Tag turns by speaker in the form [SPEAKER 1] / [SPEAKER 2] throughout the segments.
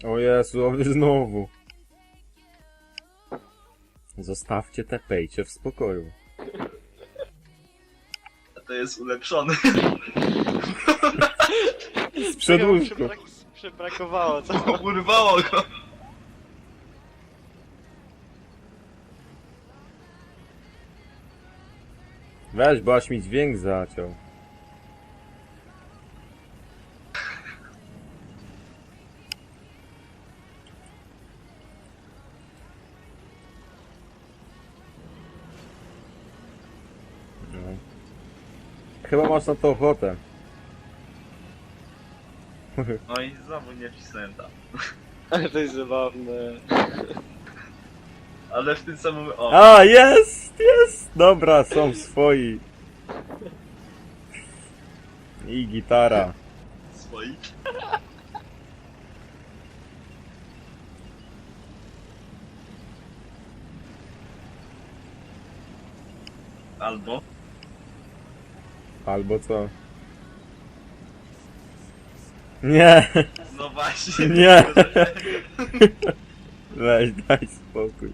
[SPEAKER 1] O Jezu, a wy znowu. Zostawcie te pejcie w spokoju.
[SPEAKER 2] A to jest ulepszony.
[SPEAKER 1] Z przedłużku.
[SPEAKER 3] Przybrakowało, co?
[SPEAKER 2] Urwało go.
[SPEAKER 1] Weź, bo aż mi dźwięk zaciął. No. Chyba masz na to ochotę.
[SPEAKER 2] No i znowu nie wcisnąłem tam.
[SPEAKER 3] Ale to jest zabawne.
[SPEAKER 2] Ale w tym samym... O!
[SPEAKER 1] A, jest! Jest! Dobra, są swoi. I gitara.
[SPEAKER 2] Swoi. Albo...
[SPEAKER 1] Albo co? Nie!
[SPEAKER 2] No właśnie.
[SPEAKER 1] Nie. Weź, daj spokój.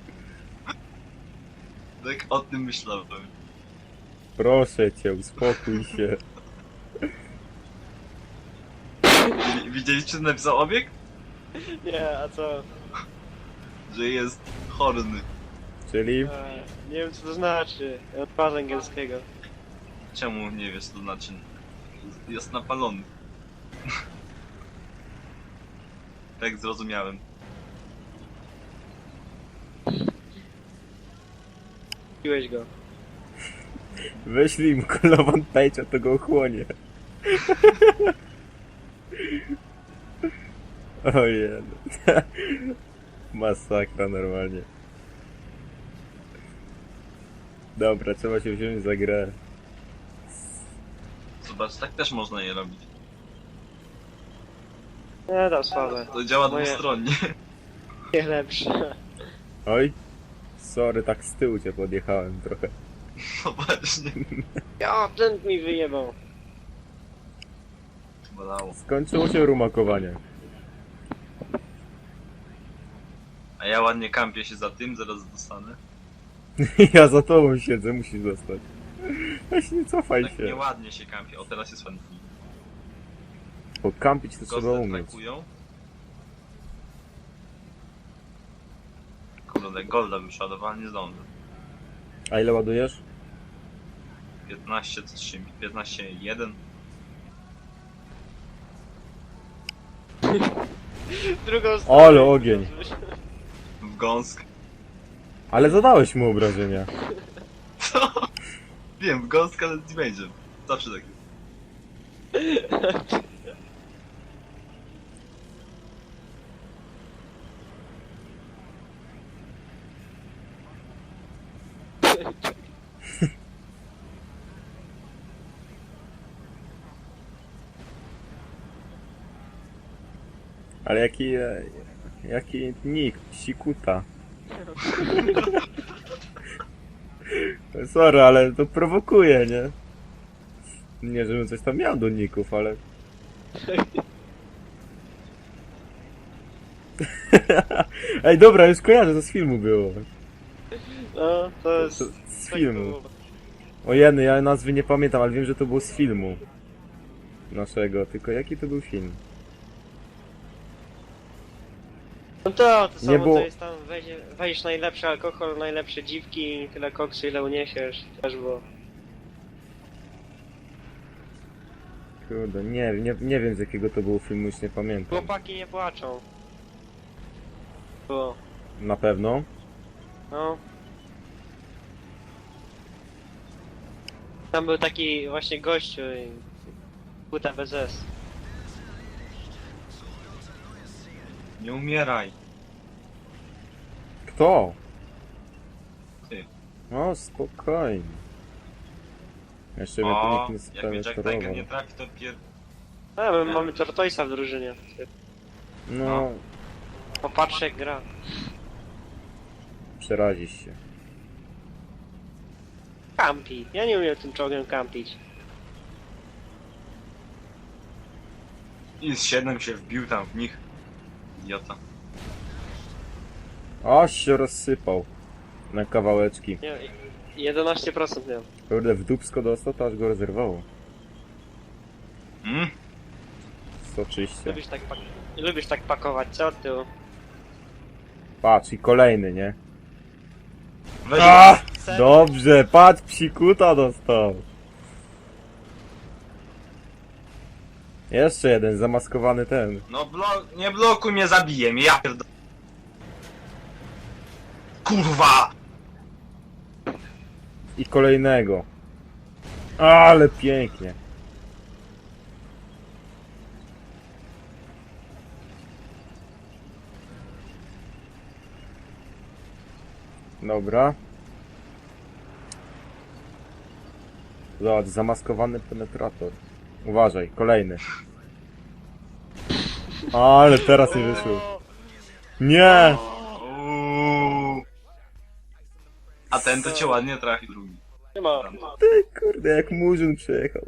[SPEAKER 2] Tak o tym myślałem.
[SPEAKER 1] Proszę cię, uspokój się.
[SPEAKER 2] Widzieliście, co napisał obieg?
[SPEAKER 3] Nie, a co?
[SPEAKER 2] Że jest horny.
[SPEAKER 1] Czyli?
[SPEAKER 3] Nie wiem co to znaczy. Od pas angielskiego.
[SPEAKER 2] Czemu nie wiesz, to znaczy? Jest napalony. Tak zrozumiałem.
[SPEAKER 3] Piłeś go.
[SPEAKER 1] Wyślij mu kolową pejcia, to go ochłonie. Ojej. Masakra normalnie. Dobra, trzeba się wziąć za grę.
[SPEAKER 2] Zobacz, tak też można je robić.
[SPEAKER 3] Nie, tam słabe.
[SPEAKER 2] To działa
[SPEAKER 3] Moje-
[SPEAKER 2] dwustronnie.
[SPEAKER 3] Nie lepsze.
[SPEAKER 1] Oj. Sorry, tak z tyłu cię podjechałem trochę.
[SPEAKER 2] No właśnie.
[SPEAKER 3] Ja, ten mi wyjebał.
[SPEAKER 2] Bolało.
[SPEAKER 1] Skończyło się rumakowanie.
[SPEAKER 2] A ja ładnie kampię się za tym, zaraz dostanę.
[SPEAKER 1] Ja za tobą siedzę, musisz dostać. Weź nie cofaj
[SPEAKER 2] Tak
[SPEAKER 1] się.
[SPEAKER 2] nieładnie się kampię. O, teraz jest ładnie.
[SPEAKER 1] Bo kampić to trzeba
[SPEAKER 2] Gosty
[SPEAKER 1] umieć.
[SPEAKER 2] trakują. Kurde, golda wyszła, nie zdążę.
[SPEAKER 1] A ile ładujesz?
[SPEAKER 2] 15-3, 15-1.
[SPEAKER 3] Drugą stronę.
[SPEAKER 1] Ale ogień.
[SPEAKER 2] W gąsk.
[SPEAKER 1] Ale zadałeś mu obrażenia.
[SPEAKER 2] Co? Wiem, w gąsk, ale nie będzie. Zawsze tak jest.
[SPEAKER 1] Ale jaki nick, sikuta. Sorry, ale to prowokuje, nie? Nie, żebym coś tam miał do ników, ale... Ej, dobra, już kojarzę, to z filmu było.
[SPEAKER 3] No, to jest...
[SPEAKER 1] To z filmu. O jedno, ja nazwy nie pamiętam, ale wiem, że to było z filmu. Naszego, tylko jaki to był film?
[SPEAKER 3] No to
[SPEAKER 1] Nie
[SPEAKER 3] samo
[SPEAKER 1] było-
[SPEAKER 3] to jest tam, weź najlepszy alkohol, najlepsze dziwki, tyle koksu ile uniesiesz, też było.
[SPEAKER 1] Kurde, nie wiem z jakiego to było filmu, już nie pamiętam.
[SPEAKER 3] Chłopaki nie płaczą. Było.
[SPEAKER 1] Na pewno.
[SPEAKER 3] No. Tam był taki właśnie gościu i... Buta bez S.
[SPEAKER 2] Nie umieraj.
[SPEAKER 1] Kto?
[SPEAKER 2] Ty.
[SPEAKER 1] O, spokojnie. Jeszcze mnie tu
[SPEAKER 2] O,
[SPEAKER 1] nikt nie
[SPEAKER 2] jak mnie Jack Tiger
[SPEAKER 1] spenetrował.
[SPEAKER 2] nie trafi, to pier...
[SPEAKER 3] A, my mamy Tortoisa w drużynie.
[SPEAKER 1] No,
[SPEAKER 3] Popatrz jak gra.
[SPEAKER 1] przerazisz się.
[SPEAKER 3] Kampi. Ja nie umiem tym czołgiem kampić.
[SPEAKER 2] I z 7 się wbił tam w nich. idiota.
[SPEAKER 1] Aż się rozsypał. Na kawałeczki.
[SPEAKER 3] Nie, 11% miałem.
[SPEAKER 1] Kurde, w dupsko dostał, to aż go rozerwało.
[SPEAKER 2] Mm?
[SPEAKER 1] Soczyście.
[SPEAKER 3] Lubisz tak pakować, co ty?
[SPEAKER 1] Patrz, i kolejny, nie?
[SPEAKER 2] Weź.
[SPEAKER 1] A! Dobrze, patrz, psikuta dostał. Jeszcze jeden, zamaskowany ten.
[SPEAKER 2] No nie blokuj mnie, zabiję mnie, ja pierdolę. Kurwa!
[SPEAKER 1] I kolejnego. Ale pięknie. Dobra. Zobacz, zamaskowany penetrator. Uważaj, kolejny. Ale teraz nie wyszło. Nie!
[SPEAKER 2] Uuu. A ten to cię ładnie trafił drugi.
[SPEAKER 3] Nie ma.
[SPEAKER 1] Ty, kurde, jak murzyn przejechał.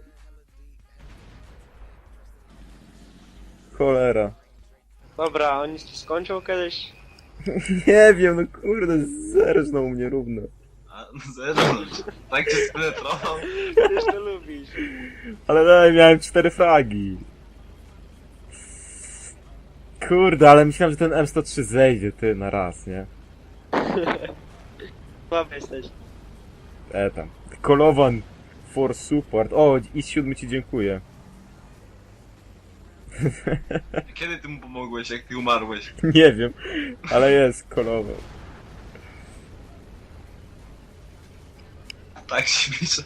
[SPEAKER 1] Cholera.
[SPEAKER 3] Dobra, oni ci skończą kiedyś.
[SPEAKER 1] Nie wiem, no kurde, zerżnął mnie równo.
[SPEAKER 2] A, zero. Tak cię spenetrował.
[SPEAKER 3] Przecież to lubisz.
[SPEAKER 1] Ale daj, miałem 4 fragi. Kurde, ale myślałem, że ten M103 zejdzie, ty, na raz, nie?
[SPEAKER 3] Słaby jesteś.
[SPEAKER 1] Tam. Kolowan for support. O, i 7 ci dziękuję.
[SPEAKER 2] Kiedy ty mu pomogłeś, jak ty umarłeś?
[SPEAKER 1] Nie wiem, ale jest kolowan.
[SPEAKER 2] Tak się pisze.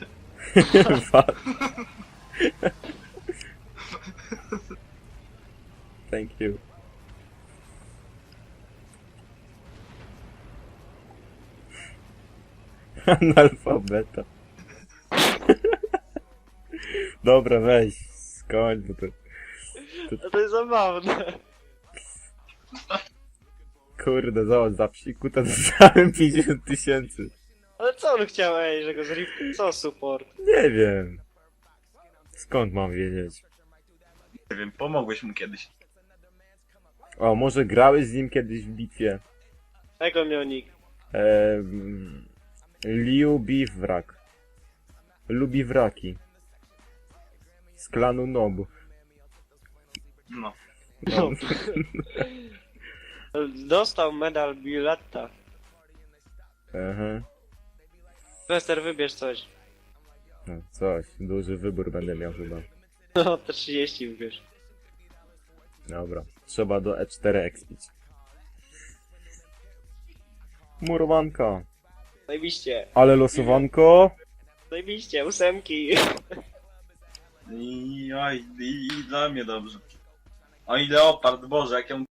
[SPEAKER 1] Thank you. Analfabeta. Dobra, weź, skończ, bo to...
[SPEAKER 3] No to jest zabawne.
[SPEAKER 1] Kurde, zobacz, za psikuta dostałem 50 000.
[SPEAKER 3] Ale co on chciał, ej, że go zrip... Co support?
[SPEAKER 1] Nie wiem. Skąd mam wiedzieć?
[SPEAKER 2] Nie wiem, pomogłeś mu kiedyś.
[SPEAKER 1] O, może grałeś z nim kiedyś w bitwie?
[SPEAKER 3] Jak on miał nick?
[SPEAKER 1] Liu Bivrak. Lubi wraki. Z klanu Nob.
[SPEAKER 2] No.
[SPEAKER 1] No.
[SPEAKER 3] Dostał medal Biletta.
[SPEAKER 1] Aha.
[SPEAKER 3] Wester, wybierz coś.
[SPEAKER 1] No, coś, duży wybór będę miał chyba.
[SPEAKER 3] No, te 30 wybierz.
[SPEAKER 1] Dobra, trzeba do E4 expić. Murowanka.
[SPEAKER 3] Zajebiście.
[SPEAKER 1] Ale losowanko.
[SPEAKER 3] Zajebiście, 8.
[SPEAKER 2] I dla mnie dobrze. Oj, leopard, Boże, jak ją